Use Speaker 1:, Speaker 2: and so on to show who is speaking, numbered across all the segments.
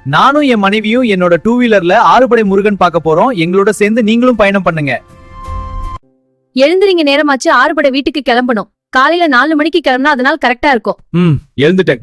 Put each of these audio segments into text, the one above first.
Speaker 1: நானும் என் மனைவியும் என்னோட 2 வீலர்ல ஆறுபடை முருகன் பார்க்க போறோம். எங்களோட சேர்ந்து நீங்களும் பயணம் பண்ணுங்க.
Speaker 2: எழுந்திரிங்க, நேரமாச்சு. ஆறுபடை வீட்டுக்கு கிளம்பணும். காலையில 4 மணிக்கு கிளம்பினா அதனால கரெக்டா இருக்கும்.
Speaker 1: எழுந்துட்டேன்.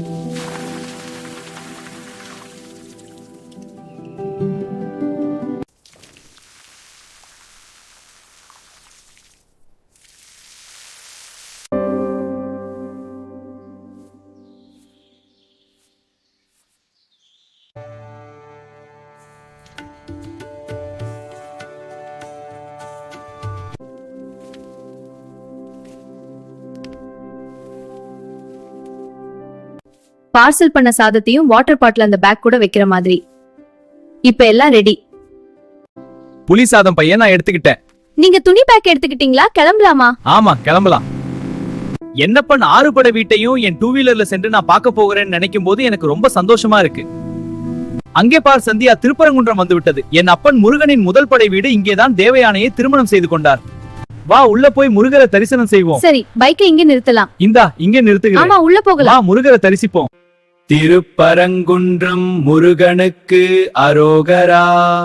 Speaker 2: பார்சல் பண்ண சாதத்தையும் வாட்டர் பாட்டில் அந்த பேக் கூட வைக்கிற மாதிரி. இப்ப எல்லாம் ரெடி.
Speaker 1: புளி சாதம் பையன் நான் எடுத்துக்கிட்டேன்.
Speaker 2: நீங்க துணி பேக் எடுத்துக்கிட்டீங்களா? கிளம்பலாமா?
Speaker 1: ஆமா, கிளம்பலாம். என்னப்பன் ஆறுபடை வீட்டையும் என் 2 வீலர்ல சென்று நான் பார்க்க போகிறேன்னு நினைக்கும் போது எனக்கு ரொம்ப சந்தோஷமா இருக்கு. அங்கே பார் சந்தியா, திருப்பரங்குன்றம் வந்து விட்டது. என் அப்பன் முருகனின் முதல் படை வீடு இங்கேதான் தேவயானையை திருமணம் செய்து கொண்டார். வா, உள்ள போய் முருகரை தரிசனம் செய்வோம்.
Speaker 2: சரி, பைக்கை இங்க நிறுத்தலாம்.
Speaker 1: இந்தா, இங்கே நிறுத்துகிறேன்.
Speaker 2: ஆமா, உள்ள போகலாம்.
Speaker 1: முருகரை தரிசிப்போம். திருப்பரங்குன்றம் முருகனுக்கு அரோகரா.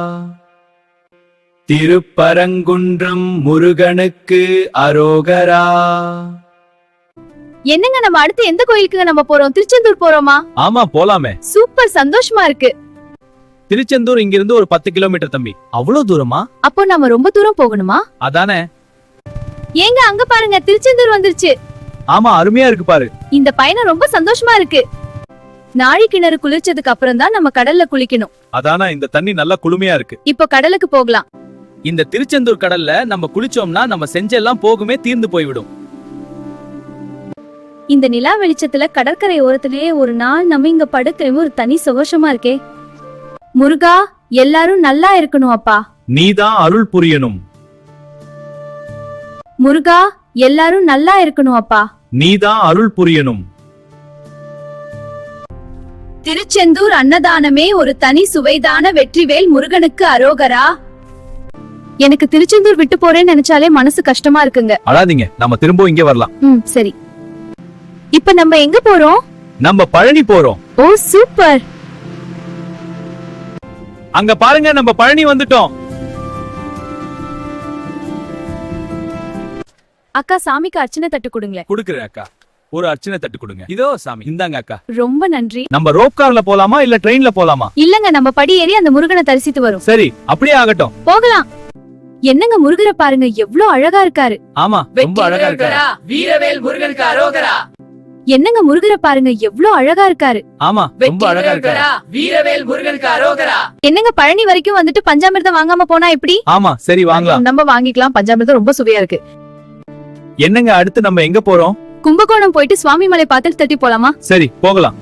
Speaker 1: திருப்பரங்குன்றம் முருகனுக்கு அரோகரா.
Speaker 2: என்னங்க, நம்ம அடுத்து எந்த கோயிலுக்கு நம்ம போறோம்? திருச்செந்தூர் போறோமா?
Speaker 1: ஆமா, போலாமே.
Speaker 2: சூப்பர், சந்தோஷமா இருக்கு.
Speaker 1: திருச்செந்தூர் இங்கிருந்து ஒரு 10 கிலோமீட்டர் தம்பி. அவ்வளவு தூரமா?
Speaker 2: அப்போ நாம ரொம்ப தூரம் போகணுமா?
Speaker 1: அதானே.
Speaker 2: ஏங்க, அங்க பாருங்க, திருச்செந்தூர் வந்துருச்சு.
Speaker 1: ஆமா, அருமையா இருக்கு பாரு.
Speaker 2: இந்த பயணம் ரொம்ப சந்தோஷமா இருக்கு. நாழி கிணறு குளிச்சதுக்கு அப்புறம் தான் நம்ம கடல்ல குளிக்கணும்.
Speaker 1: அதானா, இந்த தண்ணி நல்லா குளுமையா இருக்கு.
Speaker 2: இப்போ கடலுக்கு போகலாம்.
Speaker 1: இந்த திருச்செந்தூர் கடல்ல நம்ம குளிச்சோம்னா நம்ம செஞ்செல்லாம் போகுமே தீர்ந்து போய்விடும்.
Speaker 2: இந்த நிலா வெளிச்சத்துல கடற்கரை ஓரத்திலேயே ஒரு நாள் நம்ம இங்க படுக்கவும் ஒரு தனி சந்தோஷமா இருக்கே. முருகா, எல்லாரும் நல்லா இருக்கணும் அப்பா.
Speaker 1: நீதான் அருள் புரியணும்.
Speaker 2: முருகா, எல்லாரும் நல்லா இருக்கணும் அப்பா.
Speaker 1: நீதான் அருள் புரியணும்.
Speaker 2: திருச்செந்தூர் அன்னதானமே ஒரு தனி சுவைதான. வெற்றிவேல் முருகனுக்கு அரோகரா. எனக்கு திருச்செந்தூர் விட்டு போறேன்னு நினைச்சாலே மனசு கஷ்டமா இருக்குங்க.
Speaker 1: அழாதீங்க, நம்ம திரும்ப இங்க வரலாம்.
Speaker 2: சரி. இப்ப நம்ம எங்க போறோம்?
Speaker 1: நம்ம பழனி போறோம்.
Speaker 2: ஓ, சூப்பர்.
Speaker 1: அங்க பாருங்க, நம்ம பழனி வந்துட்டோம்.
Speaker 2: அக்கா, சாமிக்கு அர்ச்சனை தட்டு கொடுங்களேன்.
Speaker 1: குடுக்குறேன் அக்கா. ஒரு அர்ச்சனை தட்டு கொடுங்க. இதோ சாமி, இந்தாங்க அக்கா.
Speaker 2: ரொம்ப நன்றி.
Speaker 1: நம்ம ரோப் கார்ல போலாமா இல்ல ட்ரெயின்ல போலாமா?
Speaker 2: இல்லங்க, நம்ம படி ஏறி அந்த முருகனை தரிசித்து வரும்.
Speaker 1: சரி, அப்படியே ஆகட்டும்.
Speaker 2: போகலாம். என்னங்க, முருகரை பாருங்க, எவ்வளவு அழகா இருக்காரு.
Speaker 1: ஆமா, ரொம்ப அழகா இருக்காரு.
Speaker 3: வீரவேல் முருகனுக்கு அரோகரா.
Speaker 2: என்னங்க, முருகரை பாருங்க, எவ்வளவு அழகா இருக்காரு.
Speaker 1: ஆமா, ரொம்ப அழகா இருக்காரு.
Speaker 3: வீரவேல் முருகனுக்கு அரோகரா.
Speaker 2: என்னங்க, பழனி வரைக்கும் வந்துட்டு பஞ்சாமிர்தம் வாங்காம போனா எப்படி?
Speaker 1: ஆமா, சரி வாங்கலாம்.
Speaker 2: நம்ம வாங்கிக்கலாம். பஞ்சாமிர்தம் ரொம்ப சுவையா இருக்கு.
Speaker 1: என்னங்க, அடுத்து நம்ம எங்க போறோம்?
Speaker 2: கும்பகோணம் போயிட்டு சுவாமிமலை பார்த்து தட்டி போலாமா?
Speaker 1: சரி, போகலாம்.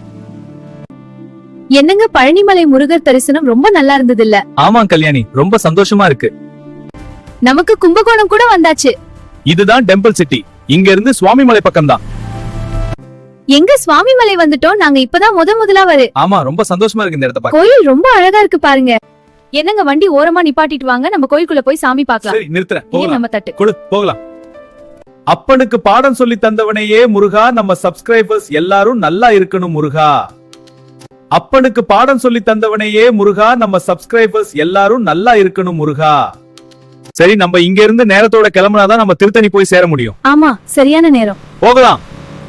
Speaker 2: என்னங்க, பழனிமலை முருகர் தரிசனம் ரொம்ப நல்லா இருந்தது இல்ல?
Speaker 1: ஆமா கல்யாணி, ரொம்ப சந்தோஷமா இருக்கு.
Speaker 2: நமக்கு கும்பகோணம் கூட வந்தாச்சு.
Speaker 1: இதுதான் டெம்பிள் சிட்டி. இங்க இருந்து சுவாமிமலை பக்கம் தான்.
Speaker 2: எங்க சுவாமிமலை வந்துட்டோம். நாங்க இப்பதான் முதலா வரு.
Speaker 1: ஆமா, ரொம்ப சந்தோஷமா இருக்கு இந்த இடத்த பார்க்க.
Speaker 2: கோயில் ரொம்ப அழகா இருக்கு பாருங்க. என்னங்க, வண்டி ஓரமா நிப்பாட்டிட்டு வாங்க, நம்ம கோயிலுக்குள்ள போய் சாமி பார்க்கலாம்.
Speaker 1: சரி, நிறுத்துறேன்.
Speaker 2: இங்க
Speaker 1: போகலாம்.
Speaker 2: நம்ம தட்டு
Speaker 1: கொடு, போகலாம். அப்பனுக்கு பாடம் சொல்லி தந்தவனையே முருகா, நம்ம சப்ஸ்கிரைபர்ஸ் எல்லாரும் நல்லா இருக்கணும் முருகா. அப்பனுக்கு பாடம் சொல்லி தந்தவனையே முருகா, நம்ம சப்ஸ்கிரைபர்ஸ் எல்லாரும் நல்லா இருக்கணும் முருகா. சரி, நம்ம இங்க இருந்து நேரத்தோட கிளம்பினாதான் நம்ம திருத்தணி போய் சேர முடியும்.
Speaker 2: ஆமா, சரியான நேரம்.
Speaker 1: போகலாம்.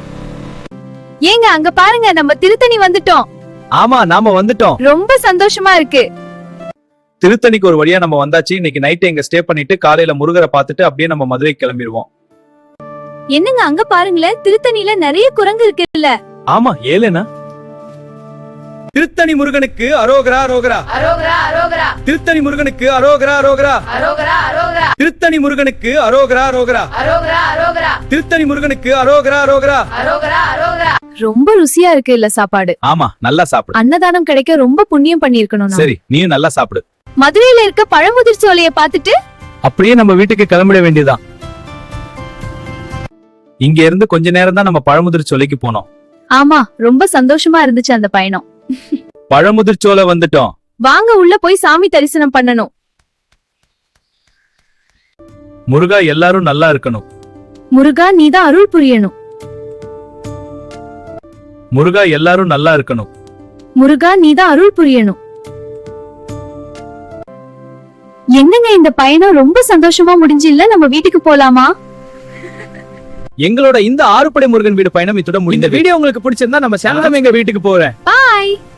Speaker 2: ஏங்க, அங்க பாருங்க, நம்ம திருத்தணி வந்துட்டோம்.
Speaker 1: ஆமா, நாம வந்துட்டோம்.
Speaker 2: ரொம்ப சந்தோஷமா இருக்கு.
Speaker 1: திருத்தணிக்கு ஒரு வழியா நம்ம வந்தாச்சு. இன்னைக்கு நைட் எங்க ஸ்டே பண்ணிட்டு காலையில முருகரை பார்த்துட்டு அப்படியே நம்ம மதுரை கிளம்பிடுவோம்.
Speaker 2: என்னங்க, அங்க பாருங்களேன், திருத்தணில நிறைய குரங்கு இருக்குல்ல?
Speaker 1: ஆமா, ஏலேனா. திருத்தணி முருகனுக்கு அரோகரா அரோகரா.
Speaker 3: அரோகரா அரோகரா.
Speaker 1: திருத்தணி முருகனுக்கு அரோகரா அரோகரா.
Speaker 3: அரோகரா அரோகரா.
Speaker 1: திருத்தணி முருகனுக்கு அரோகரா அரோகரா.
Speaker 3: அரோகரா அரோகரா.
Speaker 1: திருத்தணி முருகனுக்கு அரோகரா அரோகரா.
Speaker 3: அரோகரா அரோகரா.
Speaker 2: ரொம்ப ருசியா இருக்கு இல்ல சாப்பாடு?
Speaker 1: ஆமா, நல்லா சாப்பிடு.
Speaker 2: அன்னதானம் கிடைக்க ரொம்ப புண்ணியம் பண்ணிருக்கணும்.
Speaker 1: சரி, நீயும் நல்லா சாப்பிடு.
Speaker 2: மதுரையில இருக்க பழமுதிர் சோலைய பார்த்துட்டு
Speaker 1: அப்படியே நம்ம வீட்டுக்கு கிளம்பிட வேண்டியதுதான். இங்க இருந்து கொஞ்ச நேரம் தான் நம்ம பழமுதிர் சோலைக்கு போனோம்.
Speaker 2: ஆமா, ரொம்ப சந்தோஷமா இருந்துச்சு அந்த பயணம்.
Speaker 1: பழமுதிர் சோலை வந்துட்டோம்.
Speaker 2: வாங்க, உள்ள போய் சாமி தரிசனம் பண்ணணும்.
Speaker 1: முருகா, எல்லாரும் நல்லா இருக்கணும்.
Speaker 2: முருகா, நீதான் அருள் புரியணும்.
Speaker 1: முருகா, எல்லாரும் நல்லா இருக்கணும்.
Speaker 2: முருகா நீதான் அருள் புரியணும். என்னங்க இந்த பயணம் ரொம்ப சந்தோஷமா முடிஞ்சு இல்ல, நம்ம வீட்டுக்கு போலாமா?
Speaker 1: எங்களோட இந்த ஆறுபடை முருகன் வீடு பயணம் இத்துடன் முடிந்தது. இந்த வீடியோ உங்களுக்கு பிடிச்சிருந்தா நம்ம சேனல் எங்க வீட்டுக்கு போறேன்.
Speaker 2: பாய்.